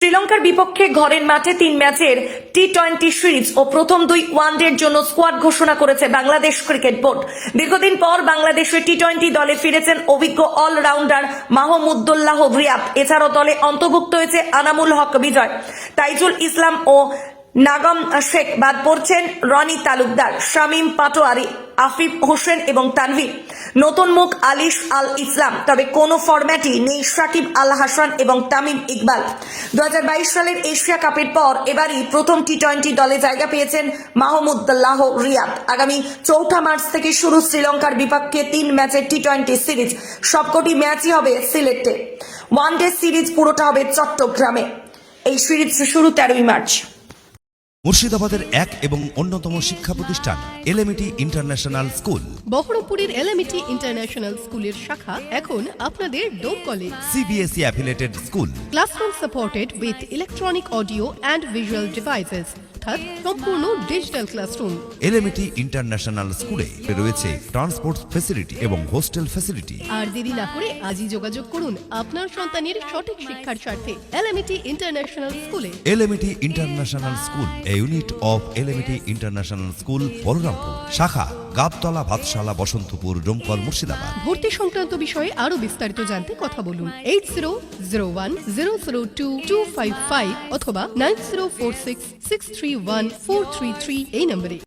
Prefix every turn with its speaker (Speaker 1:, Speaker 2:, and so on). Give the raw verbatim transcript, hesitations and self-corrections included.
Speaker 1: শ্রীলঙ্কার বিপক্ষে ঘরের মাঠে তিন ম্যাচের টি টোয়েন্টি সিরিজ ও প্রথম দুই ওয়ানডের জন্য স্কোয়াড ঘোষণা করেছে বাংলাদেশ ক্রিকেট বোর্ড। দীর্ঘদিন পর বাংলাদেশের টি টোয়েন্টি দলে ফিরেছেন অভিজ্ঞ অলরাউন্ডার মাহমুদুল্লাহ রিয়াদ। এছাড়াও দলে অন্তর্ভুক্ত হয়েছে আনামুল হক বিজয়, তাইজুল ইসলাম ও নাগম শেখ। বাদ পড়ছেন রনি তালুকদার, শামীম পাটোয়ারি, আফিফ হোসেন এবং তানভীর। নতুন মুখ আলিশ আল ইসলাম। তবে কোনো ফরম্যাটই নেই সাকিব আল হাসান এবং তামিম ইকবাল। দু হাজার বাইশ সালের এশিয়া কাপের পর এবারই প্রথম টি টোয়েন্টি দলে জায়গা পেয়েছেন মাহমুদুল্লাহ রিয়াদ। আগামী চৌঠা মার্চ থেকে শুরু শ্রীলঙ্কার বিপক্ষে তিন ম্যাচের টি টোয়েন্টি সিরিজ। সবকটি ম্যাচই হবে সিলেটে। ওয়ান ডে সিরিজ পুরোটা হবে চট্টগ্রামে। এই সিরিজ শুরু তেরোই মার্চ।
Speaker 2: মুর্শিদাবাদের এক এবং অন্যতম শিক্ষা প্রতিষ্ঠান এলএমইটি ইন্টারন্যাশনাল স্কুল।
Speaker 3: বহরমপুরের এলএমইটি ইন্টারন্যাশনাল স্কুলের শাখা এখন আপনাদের ডোমকলে।
Speaker 2: CBSE affiliated school.
Speaker 3: Classroom supported with electronic audio and visual devices, অর্থাৎ সম্পূর্ণ ডিজিটাল ক্লাসরুম।
Speaker 2: এলএমইটি ইন্টারন্যাশনাল স্কুলে রয়েছে ট্রান্সপোর্ট ফ্যাসিলিটি এবং হোস্টেল ফ্যাসিলিটি।
Speaker 3: আর দেরি না করে আজই যোগাযোগ করুন আপনার সন্তানের সঠিক শিক্ষার স্বার্থে এলএমইটি ইন্টারন্যাশনাল স্কুলে।
Speaker 2: LMET international school, a unit of LMET international school, Balarampur. শাখা গাবতলা, ভাতশালা, বসন্তপুর, ডোমকল, মুর্শিদাবাদ।
Speaker 3: ভর্তি সংক্রান্ত বিষয়ে আরো বিস্তারিত জানতে কথা বলুন eight zero zero one zero zero two two five five অথবা nine zero four six six three one four three three এই নম্বরে।